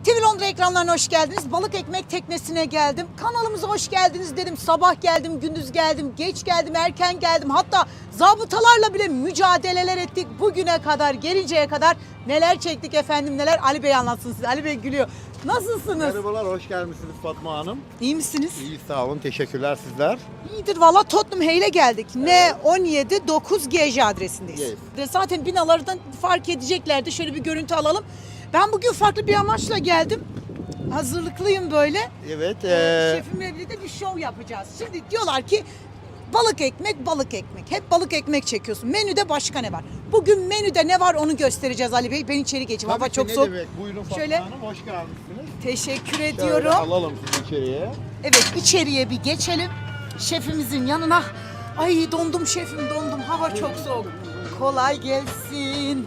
TV Londra ekranlarına hoş geldiniz. Balık ekmek teknesine geldim. Kanalımıza hoş geldiniz dedim. Sabah geldim, gündüz geldim, geç geldim, erken geldim. Hatta zabıtalarla bile mücadeleler ettik. Bugüne kadar, gelinceye kadar neler çektik efendim neler. Ali Bey anlatsın size. Ali Bey gülüyor. Nasılsınız? Merhabalar, hoş gelmişsiniz Fatma Hanım. İyi misiniz? İyi, sağ olun, teşekkürler sizler. İyidir valla, Tottenham Hale'e geldik. N17 9 GJ adresindeyiz. Yes. Zaten binalardan fark edeceklerdi. Şöyle bir görüntü alalım. Ben bugün farklı bir amaçla geldim. Hazırlıklıyım böyle. Evet, Şefimle birlikte bir şov yapacağız. Şimdi diyorlar ki balık ekmek, balık ekmek. Hep balık ekmek çekiyorsun. Menüde başka ne var? Bugün menüde ne var onu göstereceğiz Ali Bey. Ben içeri geçeyim. Hava tabii ki, çok ne soğuk. demek. Buyurun Fatma Şöyle- Hanım, hoş gelmişsiniz. Teşekkür Şöyle ediyorum. alalım sizi içeriye. Evet, içeriye bir geçelim. Şefimizin yanına. Ay dondum şefim, dondum. Hava çok soğuk. Kolay gelsin.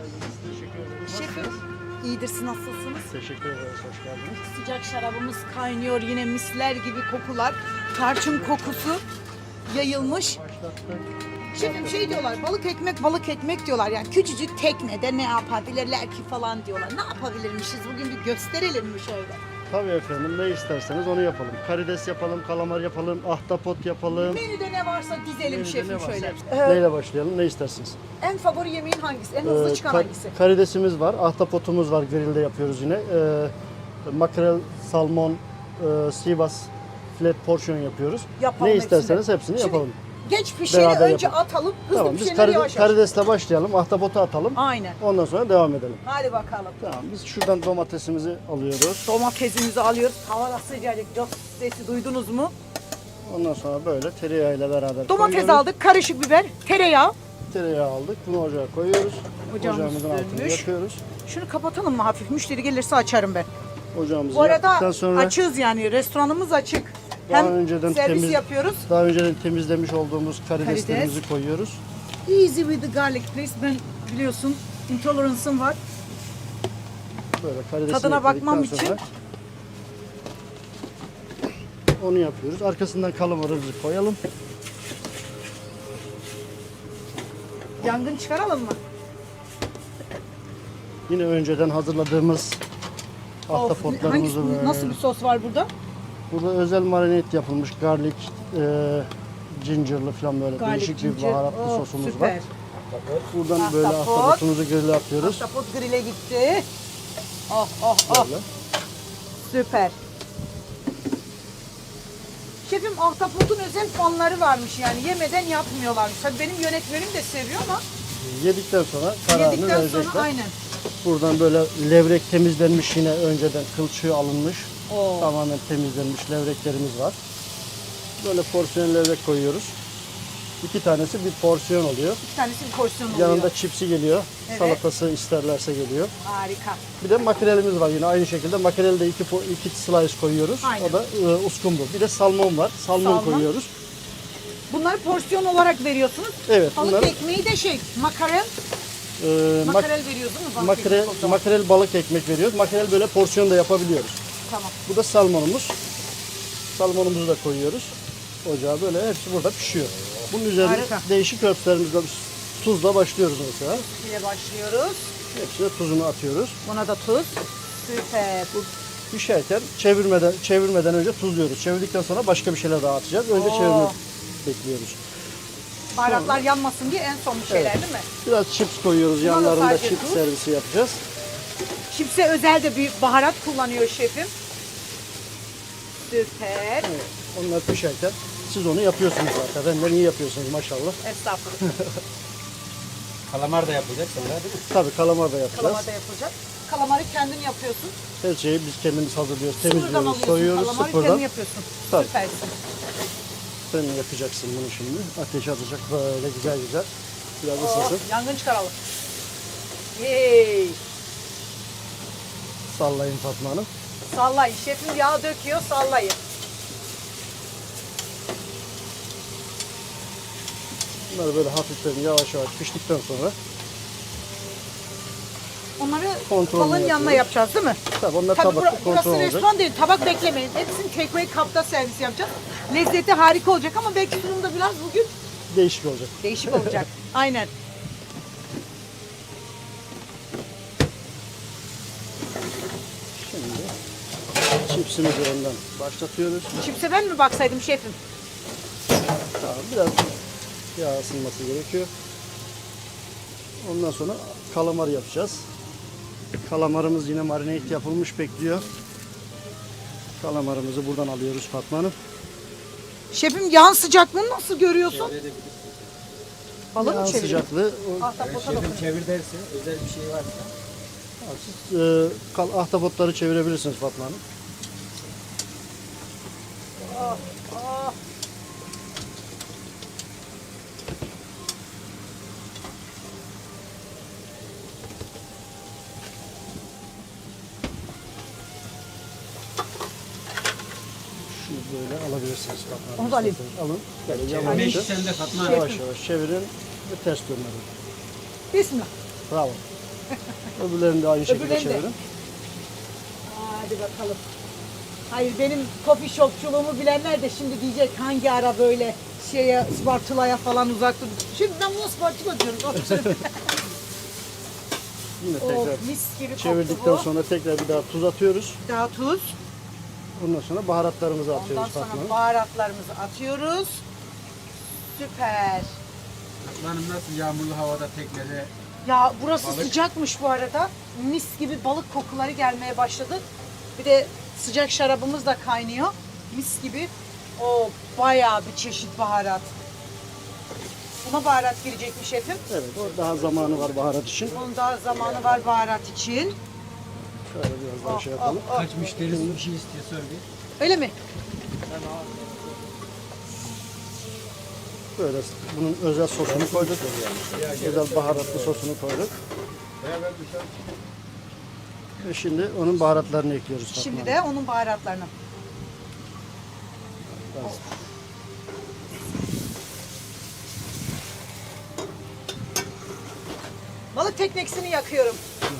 Şefim, iyidir, siz nasılsınız? Teşekkür ederiz, hoş geldiniz. Sıcak şarabımız kaynıyor, yine misler gibi kokular. Tarçın kokusu yayılmış. Şefim şey diyorlar, balık ekmek, balık ekmek diyorlar. Yani küçücük teknede ne yapabilirler ki falan diyorlar. Ne yapabilirmişiz bugün, bir gösterelim mi şöyle? Tabii efendim, ne isterseniz onu yapalım. Karides yapalım, kalamar yapalım, ahtapot yapalım. Menüde ne varsa dizelim Menüde şefim ne varsa şöyle. hepsi. Neyle başlayalım, ne istersiniz? En favori yemeğin hangisi? En hızlı çıkan hangisi? Karidesimiz var, ahtapotumuz var, grillde yapıyoruz yine. Makrel, salmon, sivas, flat porsiyon yapıyoruz. Yapalım ne hepsini. isterseniz hepsini Şimdi yapalım. Geç pişeni Beraber önce yapalım. atalım, hızlı Tamam, biz pişeni yavaş yavaş. karidesle başlayalım, ahtapotu atalım. Aynen. Ondan sonra devam edelim. Hadi bakalım. Tamam, biz şuradan domatesimizi alıyoruz. Domatesimizi alıyoruz. Hava da sıcacık. Jos sesi duydunuz mu? Ondan sonra böyle tereyağıyla beraber Domates koyuyoruz. aldık, karışık biber, tereyağı. Tereyağı aldık, bunu ocağa koyuyoruz. Ocağımız Ocağımızın altını sönmüş. yakıyoruz. Şunu kapatalım mı hafif? Müşteri gelirse açarım ben. Ocağımızı Bu yaktıktan arada sonra açığız yani. Restoranımız açık. Daha Hem önceden servis yapıyoruz. daha önceden temizlemiş olduğumuz karideslerimizi Karides. koyuyoruz. Easy with the garlic please. Ben biliyorsun intolerance'ım var. Böyle karidesini Tadına ekledikten bakmam sonra için. onu yapıyoruz. Arkasından kalamarımızı koyalım. Yangın çıkaralım mı? Yine önceden hazırladığımız ahtapotlarımızı Hangisi, nasıl bir sos var burada? Burada özel marinat yapılmış garlic, gingerlı falan böyle Garlic, değişik bir ginger. baharatlı Oh, sosumuz süper. var. Buradan böyle Ahtapot. ahtapotumuzu grille atıyoruz. Ahtapot grill'e gitti. Oh oh oh. Böyle. Süper. Şefim, ahtapotun özel fanları varmış, yani yemeden yapmıyorlarmış. Tabii benim yönetmenim de seviyor ama Yedikten sonra kararını yedikten verecekler. sonra aynen. Buradan böyle levrek temizlenmiş, yine önceden kılçığı alınmış. Oo. Tamamen temizlenmiş levreklerimiz var. Böyle porsiyon levrek koyuyoruz. 2 tanesi bir porsiyon oluyor. İki tanesi bir porsiyon oluyor. Yanında çipsi geliyor. Evet. Salatası isterlerse geliyor. Harika. Bir de makrelimiz var yine aynı şekilde. Makreli de iki slice koyuyoruz. Aynen. O da uskumru. Bir de salmon var. Salmon Salmon. koyuyoruz. Bunları porsiyon olarak veriyorsunuz. Evet, Balık bunları- ekmeği de makarel. Mak- Makarel veriyoruz değil mi? Balık makrel, ekmek o zaman. makrel balık ekmek veriyoruz. Makrel böyle porsiyon da yapabiliyoruz. Tamam. Bu da salmonumuz. Salmonumuzu da koyuyoruz. Ocağa böyle hepsi burada pişiyor. Bunun üzerine Harika. değişik örtlerimizle tuzla başlıyoruz mesela. İle başlıyoruz. Hepsine tuzunu atıyoruz. Buna da tuz. Süper. Bu pişerken çevirmeden önce tuzluyoruz. Çevirdikten sonra başka bir şeyler daha atacağız. Önce Oo. çevirme bekliyoruz. Baharatlar yanmasın diye en son bir şeyler değil mi? Biraz chips koyuyoruz. Buna da Yanlarında sadece chips tuz. servisi yapacağız. Çipse özel de bir baharat kullanıyor şefim. Süper. Evet, onlar pişerken siz onu yapıyorsunuz zaten. Benden iyi yapıyorsunuz maşallah. Estağfurullah. Kalamar da yapacak sonra değil mi? Tabii kalamar da yapacağız. Kalamar da yapılacak. Kalamarı kendin yapıyorsun. Her şeyi biz kendimiz hazırlıyoruz, Sıfırdan temizliyoruz, alıyorsun. soyuyoruz Kalamarı sıfırdan. kendin yapıyorsun. Tabii. Süpersin. Sen yapacaksın bunu şimdi. Ateş atacak böyle güzel güzel. Biraz Oh, ısınsın. yangın çıkaralım. Yey. Sallayın Fatma Hanım. Sallayın. Şefim yağ döküyor, sallayın. Bunları böyle hafiften yavaş yavaş piştikten sonra Onları Kontrolünü balın yanına yapıyoruz. yapacağız değil mi? tabii onlar Tabii tabakta burası kontrol olacak. restoran değil. Tabak beklemeyin. Hepsini take away kapta servis yapacağız. Lezzeti harika olacak ama belki sunumda biraz bugün Değişik olacak. değişik olacak. Aynen. Şimdi Çipsimizi önden başlatıyoruz. Çipse ben mi baksaydım şefim? Tamam, biraz yağ ısınması gerekiyor. Ondan sonra kalamar yapacağız. Kalamarımız yine marinate yapılmış bekliyor. Kalamarımızı buradan alıyoruz Fatma Hanım. Şefim yağın sıcaklığını nasıl görüyorsun? Balık Yağ mı çeviriyor? sıcaklığı Ahtapota Şefim dokunuyor. çevir derse özel bir şey varsa. siz ahtapotları çevirebilirsiniz Fatma Hanım. Şunu böyle alabilirsiniz Fatma Hanım. Onu da alayım. Alın. Böyle Çevirme yavaşça, işi sende Fatma Hanım. yavaş yavaş çevirin ve ters döndürün. Bismillah. Bravo. Öbürlerini de aynı şekilde Öbürlerini de. çevirin. Hadi bakalım. Hayır benim coffee shopçuluğumu bilenler de şimdi diyecek hangi ara böyle şeye spatula'ya falan uzak dur. Şimdi ben buna spatula diyorum. Yine Oh, tekrar mis gibi koktu çevirdikten bu. sonra tekrar bir daha tuz atıyoruz. Daha tuz. Ondan sonra baharatlarımızı Ondan atıyoruz Fatma sonra Hanım. baharatlarımızı atıyoruz. Süper. Fatma Hanım nasıl yağmurlu havada teknede Ya burası Balık. sıcakmış bu arada. Mis gibi balık kokuları gelmeye başladı. Bir de sıcak şarabımız da kaynıyor. Mis gibi. O bayağı bir çeşit baharat. Buna baharat girecek mi şefim? Evet, o daha zamanı var baharat için. Onun da zamanı var baharat için. Şöyle biraz daha şey yapalım. kaç müşterisi bir şey istiyor sor bir. Öyle mi? Böyle bunun özel sosunu koyduk. Özel baharatlı sosunu koyduk. Ve şimdi onun baharatlarını ekliyoruz Fatma Şimdi Hanım. de onun baharatlarını. Balık tekneksini yakıyorum.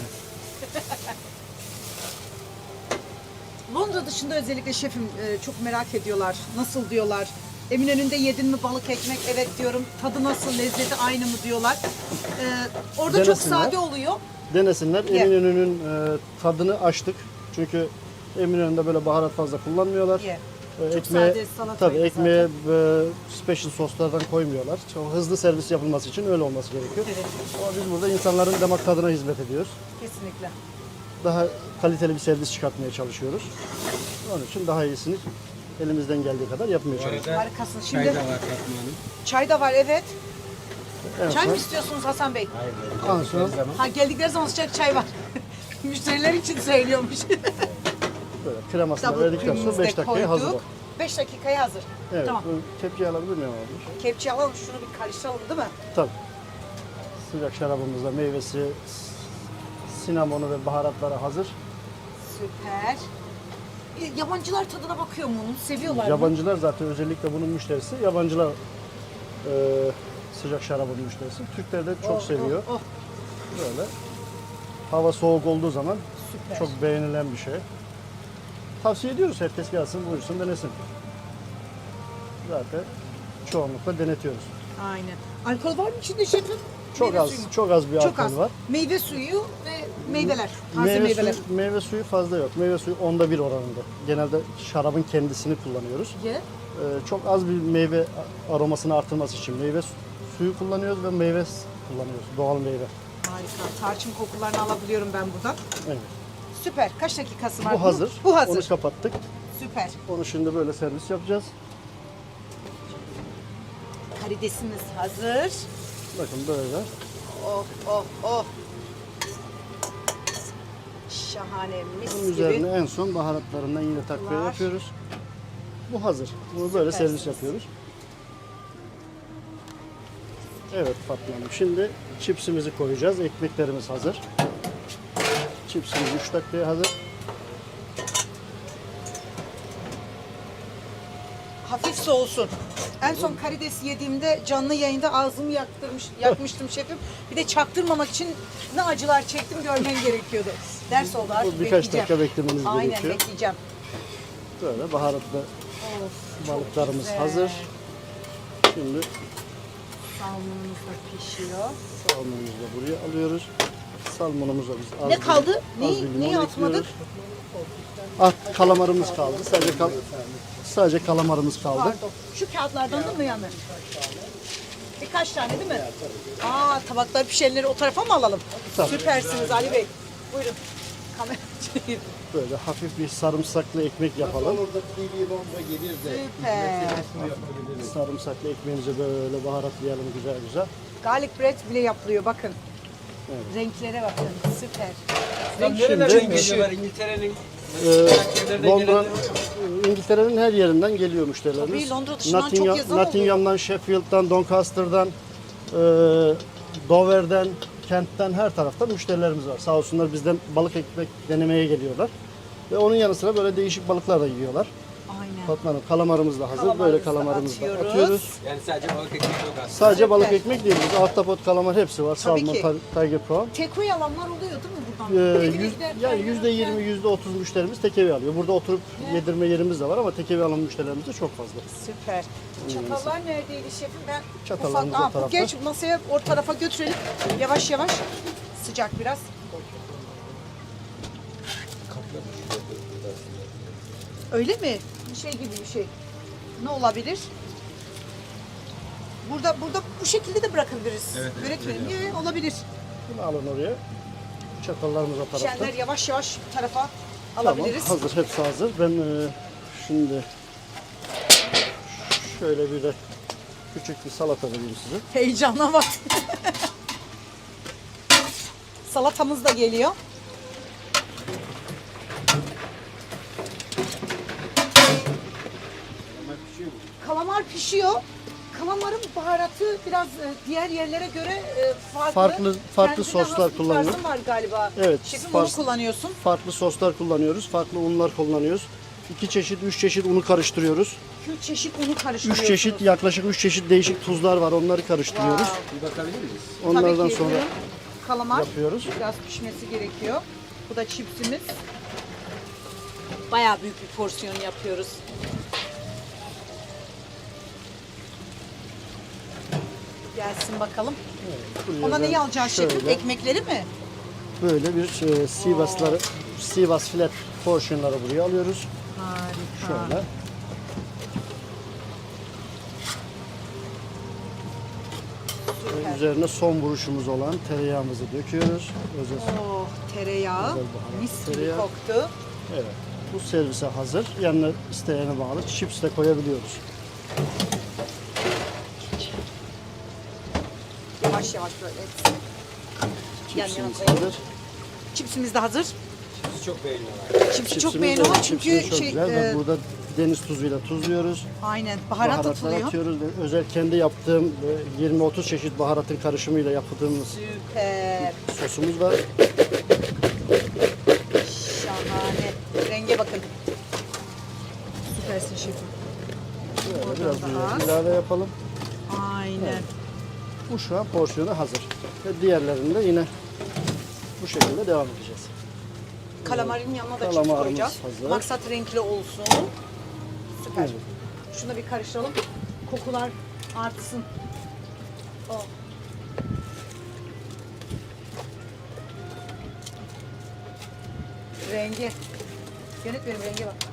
Londra dışında özellikle şefim çok merak ediyorlar. Nasıl diyorlar? Eminönü'nde yedin mi balık ekmek? Evet diyorum. Tadı nasıl? Lezzeti aynı mı diyorlar? Orada çok Denesinler. sade oluyor. Denesinler. Ye. Eminönü'nün tadını açtık. Çünkü Eminönü'nde böyle baharat fazla kullanmıyorlar. Ye. Çok Ekmeğe, sade salataydı tabii ekmeğe zaten. special soslardan koymuyorlar. Çok hızlı servis yapılması için öyle olması gerekiyor. Evet, Ama biz burada insanların damak tadına hizmet ediyoruz. kesinlikle. Daha kaliteli bir servis çıkartmaya çalışıyoruz. Onun için daha iyisini elimizden geldiği kadar yapmaya Bu çalışıyoruz. arada Harikasın. çay Şimdi da var Fatma Hanım. çay da var evet. En Çay mı son, istiyorsunuz Hasan Bey? Hayır. en son Her zaman. Ha geldikleri zaman sıcak çay var. Müşteriler için söylüyormuş. böyle kremasını Double verdikten sonra cream'imizi 5 de dakikaya hazır o. koyduk. 5 dakikaya hazır. Evet, Tamam. bu tepkiyi alabilir miyim abi? Kepçe alalım şunu bir karıştıralım değil mi? Tabii. Sıcak şarabımızda meyvesi, sinamonu ve baharatları hazır. Süper. Yabancılar tadına bakıyor mu onun? Seviyorlar mı? Yabancılar zaten özellikle bunun müşterisi. Yabancılar sıcak şarabın müşterisi. Türkler de çok seviyor. Oh, Böyle. Hava soğuk olduğu zaman süper. çok beğenilen bir şey. Tavsiye ediyoruz, herkes gelsin, buyursun, denesin. Zaten çoğunlukla denetiyoruz. Aynen. Alkol var mı içinde şefim? Çok Meyve az, suyu mu? çok az bir Çok alkol az. var. Meyve suyu ve meyveler. Taze meyveler. Meyve suyu fazla yok. Meyve suyu 1/10 oranında. Genelde şarabın kendisini kullanıyoruz. Ye. Çok az bir meyve aromasını artırması için meyve suyu kullanıyoruz ve meyve kullanıyoruz. Doğal meyve. Harika. Tarçın kokularını alabiliyorum ben buradan. Evet. Süper. Kaç dakikası var? Bu hazır. Bu hazır. Onu kapattık. Süper. Onu şimdi böyle servis yapacağız. Karidesimiz hazır. Bakın böyle. Oh oh oh. Şahane mis Bunun gibi. üzerine en son baharatlarından yine takviye Var. yapıyoruz. Bu hazır. Bunu böyle servis Süpersiniz. yapıyoruz. Evet Fatma Hanım. Şimdi çipsimizi koyacağız. Ekmeklerimiz hazır. Çipsimiz 3 dakikaya hazır. Hafif soğusun. En son karides yediğimde canlı yayında ağzımı yakmıştım şefim. Bir de çaktırmamak için ne acılar çektim görmen gerekiyordu. Ders oldu artık Bu birkaç bekleyeceğim. dakika beklemeniz Aynen gerekiyor. bekleyeceğim. Böyle baharatlı Of, çok balıklarımız güzel. hazır. Şimdi Salmonumuz da pişiyor. salmonumuzu da buraya alıyoruz. Salmonumuzu da biz az Ne kaldı? az bir limon Neyi atmadık? ekliyoruz. kalamarımız kaldı. Sadece kalamarımız kaldı. Pardon. Şu kağıtlardan değil mi yani? Birkaç tane değil mi? Aa, tabaklar pişenleri o tarafa mı alalım? Tabii. Süpersiniz Ali Bey. Buyurun. Kamera çekeyim. Böyle hafif bir sarımsaklı ekmek yapalım. Süper. Sarımsaklı ekmeğimizi böyle baharatlayalım güzel güzel. Garlic bread bile yapılıyor bakın. Renklere bakın. Süper. Tam Şimdi- nerelerden geliyorlar İngiltere'nin? Londra, İngiltere'nin her yerinden geliyor müşterilerimiz. Tabii, Londra dışından çok yazan oluyor. Nottingham'dan, Sheffield'dan, Doncaster'dan, Dover'den, Kent'ten her taraftan müşterilerimiz var. Sağ olsunlar bizden balık ekmek denemeye geliyorlar. Ve onun yanı sıra böyle değişik balıklar da yiyorlar. Aynen. Fatma Hanım kalamarımız da hazır. Kalamarımızı Böyle da kalamarımızı da atıyoruz. atıyoruz. Yani sadece balık ekmek yok aslında. Sadece balık Süper. ekmek değil. Biz ahtapot, kalamar hepsi var. Tabii Salmon, ki. tiger prawn. Takeaway alanlar oluyor değil mi buradan? Yani %20, %30 müşterimiz tekevi alıyor. Burada oturup yedirme yerimiz de var ama tekevi alan müşterilerimiz de çok fazla. Süper. Çatallar neredeydi şefim? Ben Çatallarımız ufak- o tarafta. Geç masaya o tarafa götürelim. Yavaş yavaş. Sıcak biraz. Öyle mi? Bir şey gibi bir şey. Ne olabilir? Burada bu şekilde de bırakabiliriz. Evet, evet, Öğretmenim. Olabilir. Bunu alın oraya. Çatallarımız o tarafta. Pişenler yavaş yavaş bu tarafa Tamam, alabiliriz. hazır, hepsi hazır. Ben şimdi şöyle bir de küçük bir salata vereyim size. Heyecana bak. Salatamız da geliyor. Kalamar pişiyor. Kalamarın baharatı biraz diğer yerlere göre farklı. Farklı Kendine soslar has bir kullanıyor. tarzın var galiba. Evet, Şefim onu fars- kullanıyorsun. Farklı soslar kullanıyoruz, farklı unlar kullanıyoruz. 2 çeşit, 3 çeşit unu karıştırıyoruz. 3 çeşit unu 3 karıştırıyorsunuz. çeşit, yaklaşık 3 çeşit değişik tuzlar var. Onları karıştırıyoruz. Wow. Bir bakabilir miyiz? Onlardan Tabii ki sonra buyurun. Kalamar yapıyoruz. biraz pişmesi gerekiyor. Bu da çipsimiz. Bayağı büyük bir porsiyon yapıyoruz. Gelsin bakalım. Buraya Ona ben neyi alacağız şefim? şöyle Ekmekleri mi? Böyle bir Sivas flat porsiyonları buraya alıyoruz. Harika. Şöyle. Ve üzerine son vuruşumuz olan tereyağımızı döküyoruz. Özel, Oh, tereyağı. Özel baharat, Mis gibi tereyağı. koktu. evet. Bu servise hazır. Yanına isteyene bağlı chips de koyabiliyoruz. Yavaş yavaş böyle. Yan yana Chipsimiz koyalım. hazır. Çipsimiz de hazır. Siz çok beğeniyorlar. Çipsi çok Chipsimiz beğeniyorlar de- çünkü chipsimiz çok şey, güzel. Ve burada deniz tuzuyla tuzluyoruz. aynen baharat Baharatlar atılıyor. atıyoruz. Ve özel kendi yaptığım 20-30 çeşit baharatın karışımıyla yaptığımız Süper. sosumuz var. Şahane. Renge bakın. Süpersin şefim. Böyle biraz da az. ilave yapalım. Aynen. Bu şu an porsiyonu hazır. Ve diğerlerini de yine bu şekilde devam edeceğiz. Kalamarin yanına da chips Kalamarımız koyacağız. hazır. Maksat renkli olsun. Süper. Evet. Şunu da bir karıştıralım. Kokular artsın. Oh. Rengi. Yönetmenim renge bak.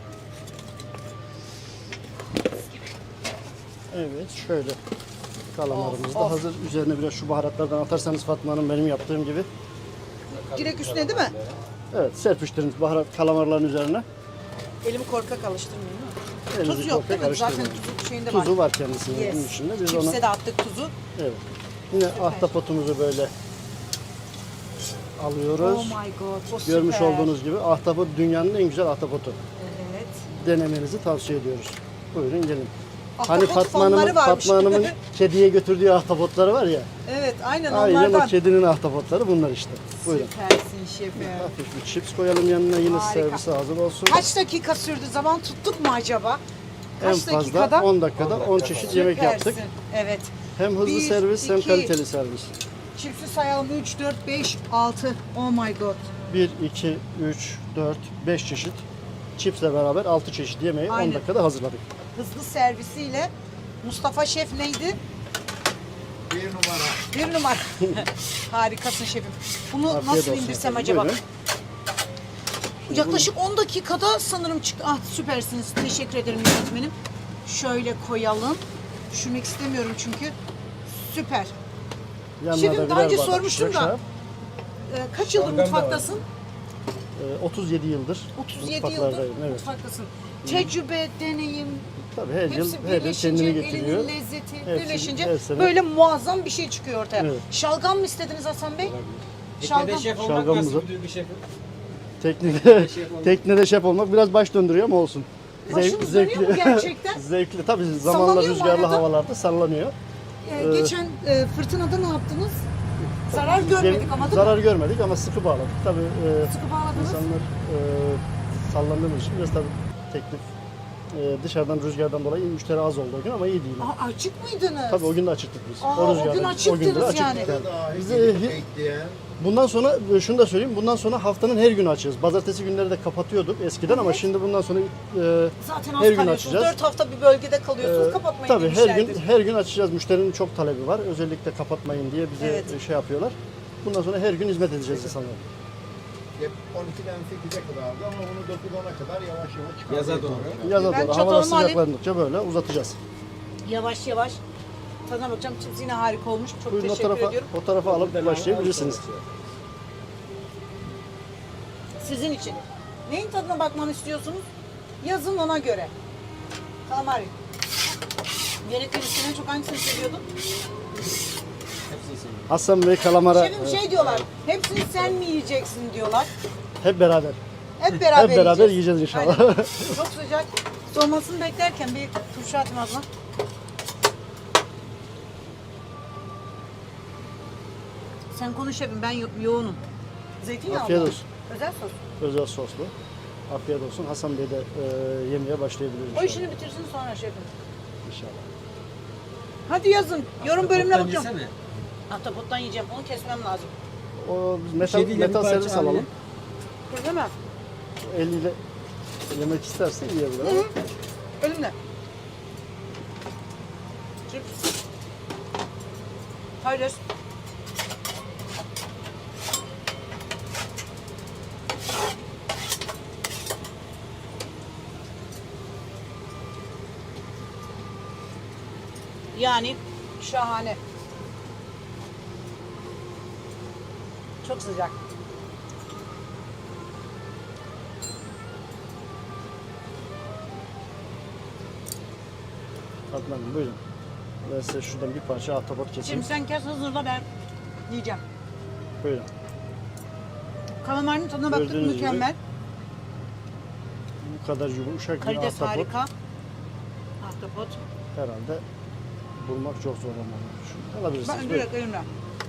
Evet şöyle kalamarımız da Of, of. hazır. Üzerine biraz şu baharatlardan atarsanız Fatma Hanım benim yaptığım gibi. Direkt üstüne değil mi? Evet serpiştirin baharat kalamarların üzerine. Elimi korkak alıştırmayayım değil mi? Elinizi Tuz yok korkak değil mi? Zaten karıştırmayın. tuzu şeyinde var. Tuzu var kendisinin Yes. bunun içinde. Biz Chips'e onu de attık tuzu. evet. Yine ahtapotumuzu böyle alıyoruz. Oh my god. O Görmüş süper. olduğunuz gibi ahtapot dünyanın en güzel ahtapotu. Evet. Denemenizi tavsiye ediyoruz. Buyurun gelin. Ahtapot Hani fonları varmış. Fatma Hanım'ın kediye götürdüğü ahtapotları var ya. Evet aynen Aynen onlardan. o kedinin ahtapotları bunlar işte. Buyurun. Süpersin şefim. Hafif bir chips koyalım yanına yine Harika. servise hazır olsun. Kaç dakika sürdü? Zaman tuttuk mu acaba? En Kaç fazla dakikada? 10 dakikada 10 çeşit yemek yaptık. Süpersin. Evet. Hem hızlı Bir, servis hem iki. kaliteli servis. Çipsi sayalım. 3, 4, 5, 6. Oh my god. 1, 2, 3, 4, 5 çeşit chipsle beraber 6 çeşit yemeği 10 Aynen. dakikada hazırladık. Hızlı servisiyle Mustafa Şef neydi? 1 numara. 1 numara. Harikasın şefim. Bunu Afiyet nasıl olsun indirsem efendim. acaba? Buyurun. Yaklaşık 10 dakikada sanırım çık. Ah süpersiniz. Teşekkür ederim yönetmenim. Şöyle koyalım. Düşürmek istemiyorum çünkü. Süper. Yanına Şefim, da daha birer önce bardak sormuştum sıcak da. şarap. Kaç yıldır Şalgam da var. mutfaktasın? 37 yıldır 37 yıldır mutfaklardayım. Evet. mutfaktasın. Tecrübe, deneyim, Tabii her yıl hepsi her yıl birleşince, kendini getiriyor. elinin lezzeti Hepsi birleşince her sene- böyle muazzam bir şey çıkıyor ortaya. Evet. Şalgam mı istediniz Hasan Bey? Teknede Şalgam. şef olmak Şalgamımızı- nasıl bir duygu şefim? Teknede şef olmak biraz baş döndürüyor ama olsun. Başınız dönüyor mu gerçekten? Zevkli. Tabii zamanla Sallanıyor mu rüzgarlı arada? havalarda sallanıyor. Geçen fırtınada ne yaptınız? Zarar görmedik ama değil Zarar mi? görmedik ama sıkı bağladık. Tabii Sıkı bağladınız. insanlar sallandığımız için biraz tabii teklif dışarıdan rüzgardan dolayı müşteri az oldu o gün ama iyi değil. Aa, açık mıydınız? Tabii o gün de açıktık biz. Aa, o gün rüzgardan- açıktınız gün de açıktık yani. Dahi Bize bekleyen bundan sonra şunu da söyleyeyim. Bundan sonra haftanın her günü açığız. Pazartesi günleri de kapatıyorduk eskiden ama şimdi bundan sonra Zaten her az gün kalıyorsunuz. açacağız. 4 hafta bir bölgede kalıyorsunuz. Ee, Kapatmayın tabii her gün demişlerdir. her gün açacağız. Müşterinin çok talebi var. Özellikle kapatmayın diye bize Evet. şey yapıyorlar. Bundan sonra her gün hizmet edeceğiz insanlara. hep 12'den 8'e kadardı ama bunu 9-10'a kadar yavaş yavaş çıkarmaya Yaza doğru. çalışacağız. Yaza Ben doğru havalar çatalımı alayım. sıcaklandıkça böyle uzatacağız. Yavaş yavaş. Tadına bakacağım. Chips yine harika olmuş. Çok Buyurun teşekkür ediyorum. o tarafa alıp başlayabilirsiniz. Sizin için. Neyin tadına bakmamı istiyorsunuz? Yazın ona göre. Kalamari. Yönetmen üstüne çok hangisini seviyordun? Hepsini seviyorum. Hasan Bey kalamara Şefim şey diyorlar. Hepsini sen mi yiyeceksin diyorlar. hep beraber. Hep beraber Hep beraber yiyeceğiz inşallah. Aynen. Çok sıcak. Soğumasını beklerken bir turşu atayım ağzına. Sen konuş şefim, ben yoğunum. Zeytinyağı Afiyet mı? olsun. Özel sos. Özel soslu. Afiyet olsun. Hasan Bey de yemeye başlayabilir O inşallah. işini bitirsin sonra şefim. İnşallah. Hadi yazın. Yorum bölümüne Toptan bakacağım. yesene. Ahtapottan yiyeceğim. Onu kesmem lazım. O metal, şey değil, metal bir parça servis alalım. alayım. Değil mi? Eliyle yemek isterse yiyebilir. Hı hı. Elimle. Cips. Paylaş. Yani şahane. Çok sıcak. Adnan Hanım, buyurun. Ben size şuradan bir parça ahtapot keseyim. Şimdi sen kes hazırla, ben yiyeceğim. Buyurun. Kalamarın tadına baktık, Gördüğünüz gibi mükemmel. Bu kadar yumuşak bir Karides ahtapot harika. Ahtapot. herhalde bulmak çok zor olmalı. Şunu alabilirsiniz. Ben Buyurun. direkt elimle.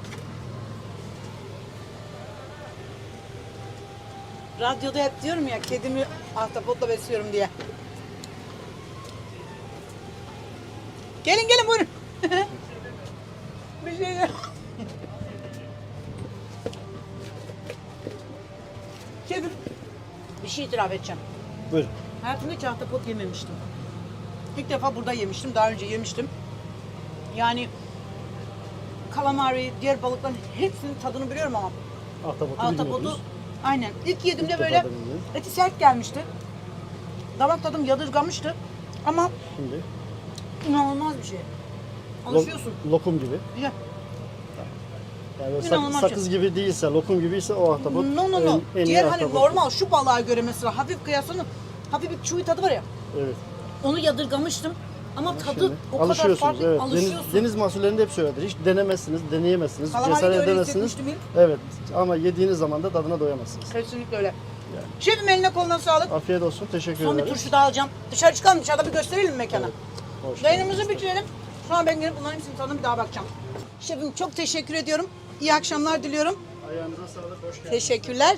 Radyoda hep diyorum ya, kedimi ahtapotla besliyorum diye. Gelin gelin buyurun. Bir şey yok. Kedim. Bir şey itiraf edeceğim. Buyurun. Hayatımda hiç ahtapot yememiştim. İlk defa burada yemiştim. Daha önce yemiştim. Yani kalamari, diğer balıkların hepsinin tadını biliyorum ama Ahtapotu ahtapotu bilmiyordunuz. aynen. İlk yediğimde İlk böyle defa deneyeceğim. eti sert gelmişti. Damak tadım yadırgamıştı. Ama Şimdi inanılmaz bir şey. Alışıyorsun. lokum gibi. Güzel. Yani böyle İnanılmaz sakız gibi değilse, lokum gibi ise o ahtapot No no no. en iyi Diğer hani ahtapot. normal şu balığa göre mesela hafif kıyaslanın hafif bir çuğu tadı var ya. Evet. Onu yadırgamıştım. Ama tadı Şimdi o kadar alışıyorsunuz. farklı. Evet. Alışıyorsun. Deniz mahsullerinde hep söyledir. Hiç denemezsiniz, deneyemezsiniz, Kalamari de cesaret öyle edemezsiniz. hissetmiştim ilk. Evet. Ama yediğiniz zaman da tadına doyamazsınız. Kesinlikle öyle. Şefim eline koluna sağlık. Afiyet olsun. Teşekkür Son bir ederim. turşu daha alacağım. Dışarı çıkalım, dışarıda bir gösterelim mekanı. Hoş Yayınımızı bitirelim. Sonra ben gelip bunların hepsinin tadına bir daha bakacağım. Şefim çok teşekkür ediyorum. İyi akşamlar diliyorum. Ayağınıza sağlık. Hoş geldiniz. Teşekkürler.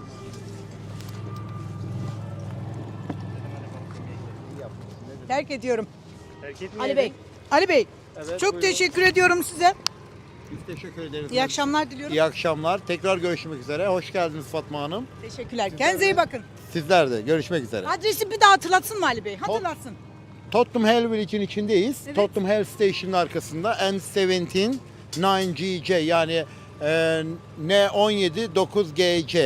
Terk ediyorum. Ali Bey. Ali Bey. Çok teşekkür ediyorum size. Biz teşekkür ederiz. İyi akşamlar diliyorum. İyi akşamlar. Tekrar görüşmek üzere. Hoş geldiniz Fatma Hanım. Teşekkürler. Kendinize iyi bakın. Sizler de görüşmek üzere. Adresi bir daha hatırlatsın mı Ali Bey? Hatırlatsın. Tottenham Hale Village'in içindeyiz. Evet. Tottenham Hale Station'ın arkasında N17 9GJ yani N17 9GC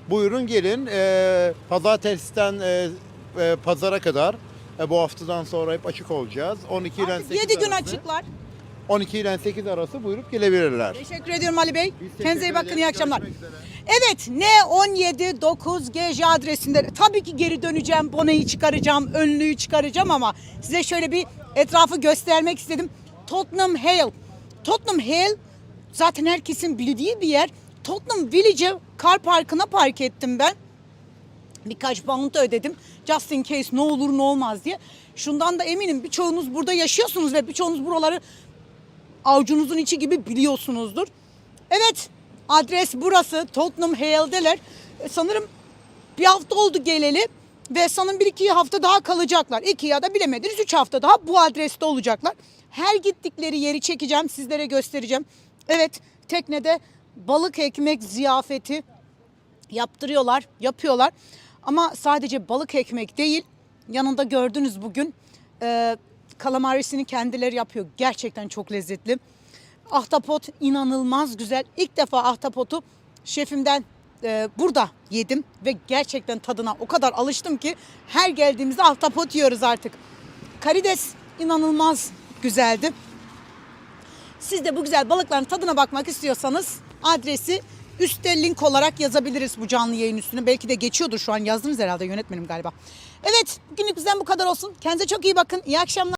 Buyurun gelin. Pazartesiden pazara kadar bu haftadan sonra hep açık olacağız. 12 ile 8 7 gün arası. açıklar. 12 ile 8 arası buyurup gelebilirler. Teşekkür ediyorum Ali Bey. Biz teşekkür Kendinize iyi bakın, ederiz. iyi akşamlar. Görüşmek üzere. Evet, N17 GJ adresinde tabii ki geri döneceğim. Boneyi çıkaracağım, önlüğü çıkaracağım ama size şöyle bir etrafı göstermek istedim. Tottenham Hale. Tottenham Hale zaten herkesin bildiği bir yer. Tottenham Village'e kar parkına park ettim ben. Birkaç pound ödedim. Just in case ne olur ne olmaz diye. Şundan da eminim birçoğunuz burada yaşıyorsunuz ve birçoğunuz buraları avucunuzun içi gibi biliyorsunuzdur. Evet, adres burası. Tottenham Hale'deler. Sanırım bir hafta oldu geleli ve sanırım 1-2 hafta daha kalacaklar. 2 ya da bilemediniz 3 hafta daha bu adreste olacaklar. Her gittikleri yeri çekeceğim, sizlere göstereceğim. Evet, teknede balık ekmek ziyafeti yapıyorlar. Ama sadece balık ekmek değil, yanında gördünüz bugün kalamarisini kendileri yapıyor. Gerçekten çok lezzetli. Ahtapot inanılmaz güzel. İlk defa ahtapotu şefimden burada yedim ve gerçekten tadına o kadar alıştım ki her geldiğimizde ahtapot yiyoruz artık. Karides inanılmaz güzeldi. Siz de bu güzel balıkların tadına bakmak istiyorsanız adresi üstte link olarak yazabiliriz bu canlı yayın üstüne. Belki de geçiyordur, şu an yazdınız herhalde, yönetmenim galiba. Evet, bugünlük bizden bu kadar olsun. Kendinize çok iyi bakın. İyi akşamlar.